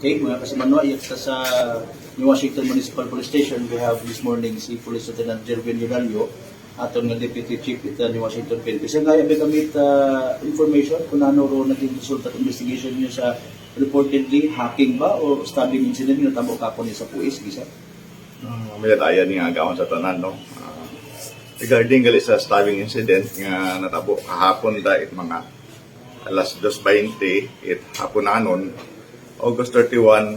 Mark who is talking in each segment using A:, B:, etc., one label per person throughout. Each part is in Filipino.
A: Okay, mga kasamano, ayat sa New Washington Municipal Police Station, we have this morning si Police Lieutenant Jervin Yunalio, aton nga Deputy Chief ita New Washington PNP. Kasi nga, may gamit information kung ano ro naging result at investigation niyo sa reportedly hacking ba o stabbing incident niyo tamo kapon niya sa puis, gisa?
B: May daya niya agawon sa tanan, no? Regarding gali sa stabbing incident nga natabo kahapon dahil mga alas 2:20 it hapon anon August 31,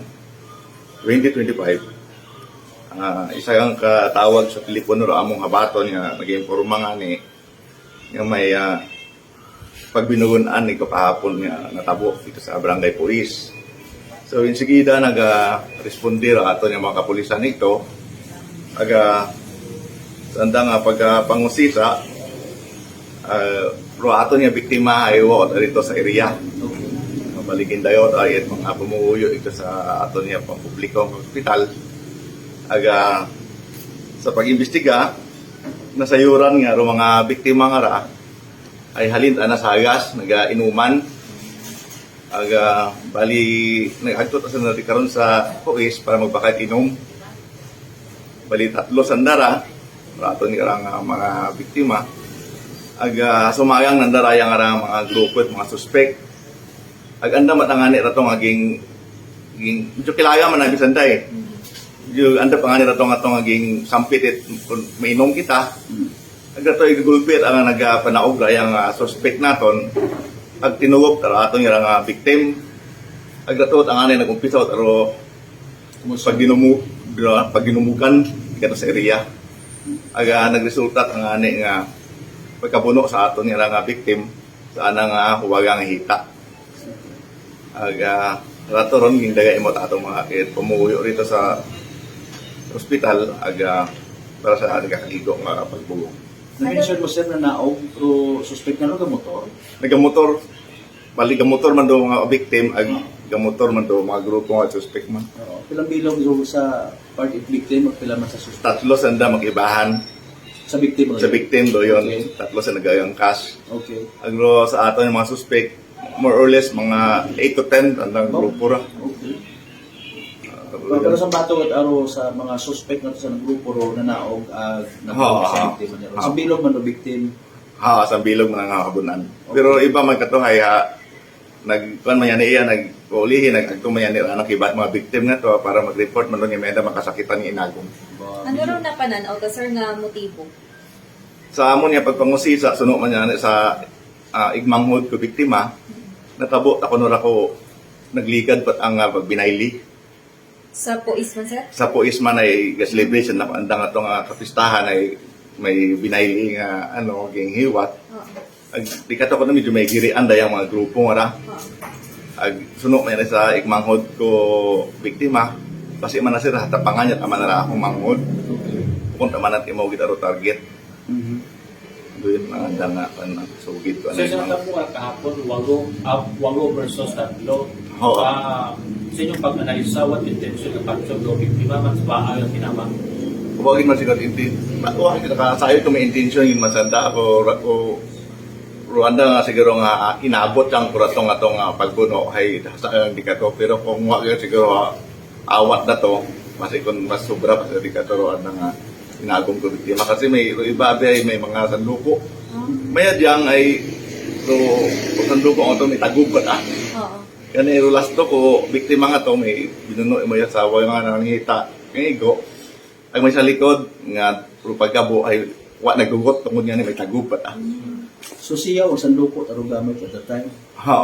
B: 2025. Isa kang katawag sa telepono ro among habaton nga nag-informa nga ni nga may pagbinugunan ni kapahapon nga natabo dito sa Barangay Police. So insigida nag-responde ra ato yung mga kapulisan nito sanda nga pagpangusisa pro ato niya biktima ay dito sa area. Mabaligin dayo ay mga pumuuyo ito sa ato niya pampublikong hospital. Sa pag-imbestiga nasayuran nga ro mga biktima nga ra ay halin na sa hagas nag-inuman. Bali nag-agtot sa natin karon sa police para magbakay inom. Bali 3 sandara ato ni karang mga biktima sumayang nandarayang nga mga grupo at mga suspect anda matangani ratong aging medyo kilaya man ang bisanday yung anda pangani ratong atong aging sampit it mainom kita agato igulpit ang nagapanaog rayang suspect naton ag tinuwop tara aton nga victim agato ang anay nagumpisa pero pagginumukan kato sa area nagresulta ang ani nga pagkabuno sa aton nga victim sa anang huwagang hita. Rato ron ging daga imot atong mga pumuyo rito sa ospital para sa ating kakaligo nga pagbuo.
A: Na-mention mo sir na naog pero suspect na motor?
B: Nagamotor, bali gamotor man do mga victim gamotor man do mga grupo nga suspect man.
A: Pilang bilog sa part of victim at pila man sa suspect?
B: 3 sanda mag-ibahan.
A: Sa victim?
B: Sa victim do yun,
A: Okay.
B: 3 sa nagayang cash.
A: Okay.
B: Agro sa aton yung mga suspect, more or less mga 8 to 10 andang grupo ra.
A: Okay. Pero sa bato at aro sa mga suspect na sa grupo ro na naog sa victim niya. Sa bilog man do victim.
B: Sa bilog man nga habunan. Pero iba man katuhay nagkuan man yan iya nagpulihi nagagto man yan anak ibat mga victim na to para mag-report man doon yung meda makasakitan ni inagong.
C: Ano raw napananaw ka sir nga motibo?
B: Sa amon niya pagpangusisa suno man yan sa igmanghod ko biktima natabo ako nora ko nagligad pat ang pagbinayli.
C: Sa puis man sir?
B: Sa puis man ay celebration na andang atong kapistahan ay may binayli nga ging hiwat. Di ka ko na medyo may girian dayang mga grupo nga ra. Sunok man sa ikmanghod ko biktima. Kasi man na sila hatapangan niya tama na ra akong manghod. Kung tama na imo gitaro target. Doon mga danga sugid ko.
D: So sa mo kahapon 8 versus 3.
B: Oo.
D: Sa inyong pag-analisa, what intention ng capture do biktima man sa bahay ang tinama?
B: Huwagin man sigat intention. Huwagin kita kasayo kung may intention yung masanda ako Rwanda nga siguro nga inabot ang kuratong atong pagbuno ay sa di ka to pero kung wa siguro awat na to mas sobra pa sa di ka to nga inagong ko biktima kasi may iba ay may mga sanduko may adyang ay sanduko ang to may tagubat
C: Oo.
B: kani rulas to ko biktima nga to may binuno mo yung asawa yung nga nangita ngayon ay may sa likod nga puro pagkabo ay wa nagugot tungod nga ni may tagubat
A: So siya o sanduko tarong gamit at that time?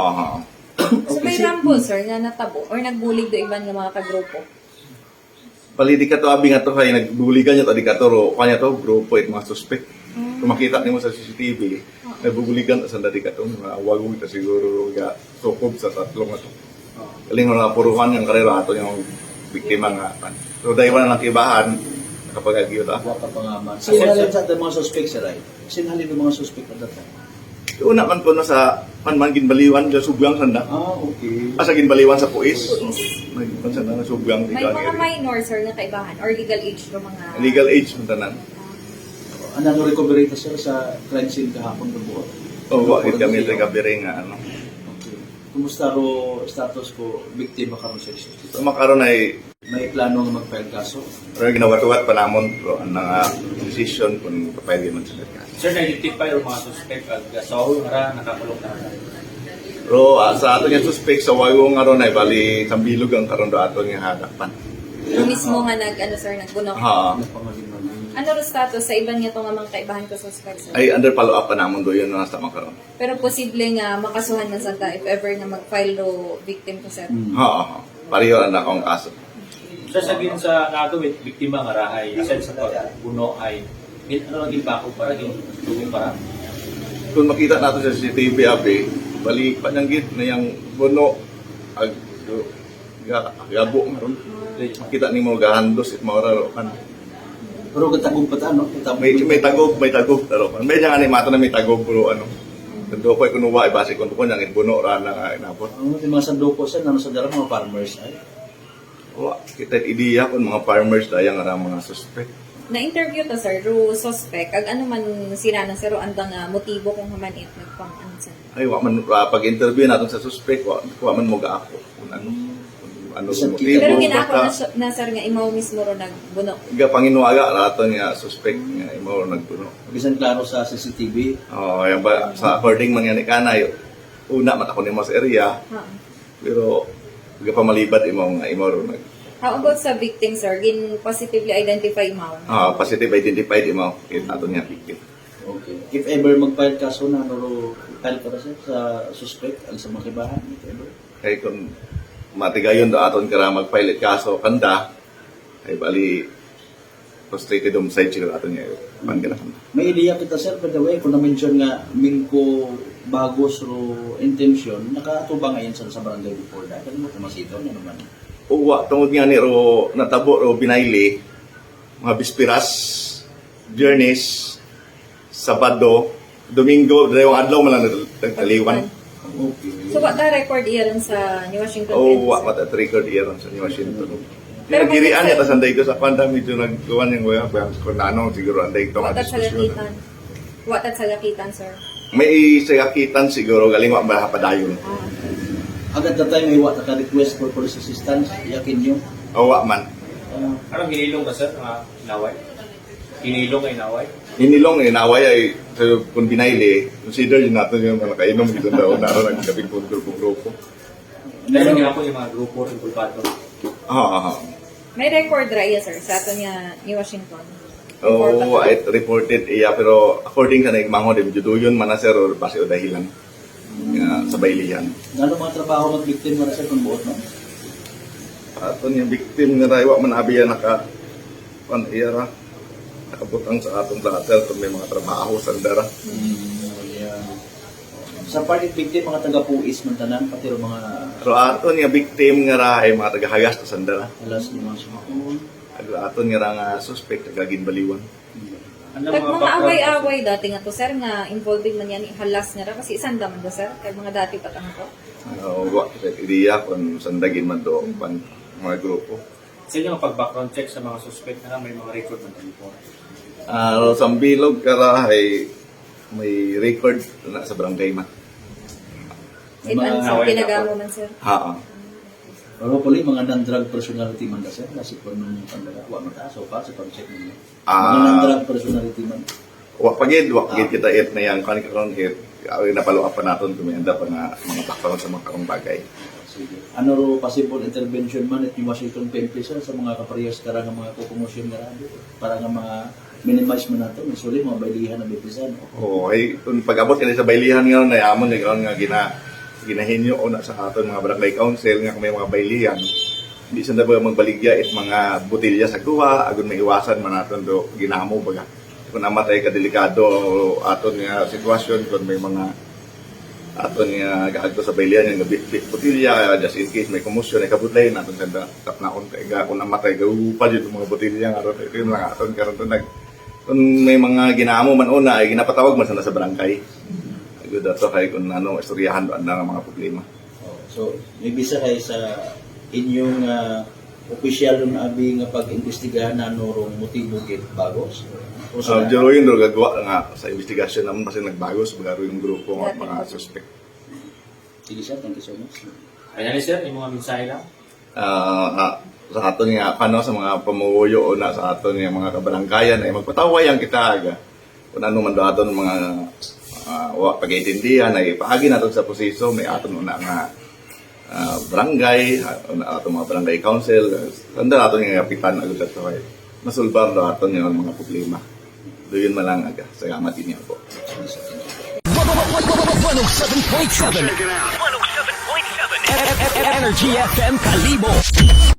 C: So may rambo sir nga natabo or nagbulig do iban nga mga kagrupo?
B: Palidi ka to abi nga to kay nagbuligan niya to di ka to kanya to grupo it mga suspect. Kung makita nimo sa CCTV, nagbubuligan sa dati ka to mga wagong ta siguro ga sukob sa tatlong ato. Kaling nga puruhan yung karera ato yung biktima nga. So dahil wala lang kibahan kapag agyo ta.
A: Wa pa pangaman. Sinhalin sa mga suspect sir ay? Sinhalin ng mga suspect at that time?
B: Una man ko na sa man ginbaliwan sa subyang sanda.
A: Okay.
B: Sa ginbaliwan sa puis. Nagpan sanda na subyang
C: May mga minor sir nga kaibahan or legal age do mga
B: legal age man tanan.
A: Ano recovery ta sir sa crime scene kahapon ng buot?
B: O wa kami sa gabi nga
A: Okay. Kumusta ro status ko biktima karon sa justice?
B: So makaroon ay
A: May plano nga mag-file kaso?
B: pero ginawat-wat pa namon pero ang decision kung papayag man sila ka.
D: Sir, na-identify yung mga suspect at sa ulo nga nakakulong na.
B: Pero sa ato yung suspect sa wayo nga ron ay bali sambilog ang karon do ato nga hadapan.
C: Yung mismo nga nagbuno.
B: Ha.
C: Ano ro status sa iban niya to nga mga kaibahan ko suspect, sir?
B: Ay under follow up pa namon do yun na sa makaroon.
C: Pero posible nga makasuhan man sa ta if ever na mag-file ro victim ko, sir.
B: Ha. Pareho ang akong kaso.
D: Sir, sabihin sa nagawit, biktima nga rahay, aside sa pagbuno ay, ano lang ginbako para, ginugong para.
B: Kung makita nato sa CCTV abi, bali pa nang gid na yang buno ag gabo ngaron. Makita nimo gahandos it maura ro kan.
A: Pero katagong pa ano?
B: May tagog pero may nga ni mato na may tagog pero ano. Kundo ko kuno wa base kun ko nang buno ra na inabot.
A: Ang mga sandoko sa nano sa darang mga farmers ay.
B: Wa kita ideya kun mga farmers dayang ara mga suspect.
C: Na-interview to, sir, ro suspect. Ag ano man sila na, sir, andang motibo kung hamanit nagpang ano, sir.
B: Ay wa man pag-interview naton sa suspect wa man mo gaako kung ano
A: Isang
B: motibo
C: Pero ginako
B: baka
C: na, sir, nga imaw mismo ro nagbuno.
B: ga panginuaga raton nga suspect nga imo nagpuno.
A: Bisan klaro sa CCTV.
B: Oh, yan ba sa according man yan ni kanay una mata ko nimo sa area
C: Ha.
B: pero ga pamalibad imo nga imo ro nag
C: How about sa victim, sir? Gin positively identify imaw?
B: positive identified imo aton nga victim.
A: Okay. If ever mag-file kaso na ro file para sa suspect ang sa mga kibahan, if ever.
B: Kay kung matigayon do aton kara mag-file kaso kanda ay bali frustrated homicide siguro aton nga panginahan.
A: May ideya kita sir, by the way, kung na-mention nga Mingko bagos ro intention, nakatubang ngayon sa barangay before that. Ano mo kumasito na naman?
B: Uwa tungod nga ni ro natabo ro binayli mga bispiras Viernes Sabado Domingo dalawang adlaw man lang nagtaliwan.
A: Okay.
C: So, what the record iyan sa New Washington?
B: Wa mata record iyan sa New Washington.
C: Pero
B: Pero girian
C: may-
B: niya tas anday ko sa kwanda medyo nagkuhan yung wala pa ko nanong siguro anday to nga
C: What at
B: diskusyon.
C: salakitan? What at salakitan, sir?
B: May sayakitan siguro galing wa mahapadayon.
A: Agad na tayo may naka-request for police assistance, yakin nyo.
B: Awa man.
D: Anong hinilong ka, sir, mga inaway? Hinilong ay inaway?
B: Hinilong naway ay so, kung binayli, consider yun natin yung mga kainom dito daw na ro nagkabing grupo-grupo.
D: Meron nga po yung mga grupo ng kulpato.
C: May record ra iya, sir, sa ato niya New Washington.
B: Oh, I reported iya pero according sa naigmango din juduyon man na sir or base o dahilan nga sa baylihan.
A: Gano'ng mga trabaho mag-victim mo na sir kung buot no?
B: Aton yung victim nga raywa man abiya naka iya ra nakabutang sa atong lahat kung may mga trabaho sa dara.
A: Yeah. Sa part of victim, mga taga-puis man tanan, pati ro mga
B: Pero aton yung victim nga ra ay mga tagahagas sa sandara.
A: alas ni mga sumakon.
B: Aton nga ra nga suspect nagagin-baliwan.
D: Ano
C: Kag mga
D: background?
C: away-away dati nga to, sir, nga involving man yan halas nga ra kasi isang daman do, sir, kay mga dati pa tanong ko.
B: Wa kita ideya kung sandagin man do pan mga grupo.
D: Sa inyo ang pag-background check sa mga suspect na may mga record ng telephone.
B: Sa bilog kara ay may record na sa barangay man.
C: Sa ibang sa
D: away
C: pinagamo man, sir.
A: Pero puli, mga non-drug personality man na sir, kasi kung nung pandala, wa mataas o pa sa pag-check ninyo. Mga non-drug personality man.
B: Wa pagid kita it na yang karon karon it. Ay napalo pa naton kung may anda pa nga mga background sa mga karong bagay.
A: Sige. Ano ro possible intervention man at yung Washington PNP sir sa mga kaparehas kara nga mga kukumosyon nga rado para nga minimize mo nato, usually mga baylihan na bipisan.
B: Oh, ay kung pag-abot kani sa baylihan nga na yamon ni karon nga ginahinyo o na sa aton mga barangay council nga kung may mga baylihan. Hindi sa ba magbaligya it mga botelya sa kuha agon maiwasan man naton do ginamo baga. Kung namatay ka delikado aton nga sitwasyon kung may mga aton nga gaadto sa baylihan nga botelya just in case may commotion ay kabutlay naton sa tapnaon kay ga kung namatay gaupa jud mga botelya nga aron ito lang aton karon to nag kung may mga ginamo man una ay ginapatawag man sana sa barangay. Good ato kay kung ano istoryahan do ang mga problema.
A: So, maybe sa kay sa inyong opisyal na abi nga pag-imbestigahan na rong motibo kit bagos. O sa
B: Jero yun do gagawa nga sa investigasyon naman kasi nagbago sa bagaro yung grupo ng mga suspect.
A: Sige sir, thank you so much.
D: Finally sir, yung mga mensahe lang.
B: Sa aton nga paano sa mga pamuyo o na sa aton nga mga kabaranggayan ay magpatawayan kita aga. Kung ano man daw aton mga pag-iintindihan ay paagi natin sa proseso may aton una nga barangay, aton mga barangay council, tanda aton nga kapitan agad sa kay masulbar daw aton nga mga problema. Doon man lang aga. Salamat inyo po.
E: 107.7 Energy FM Kalibo.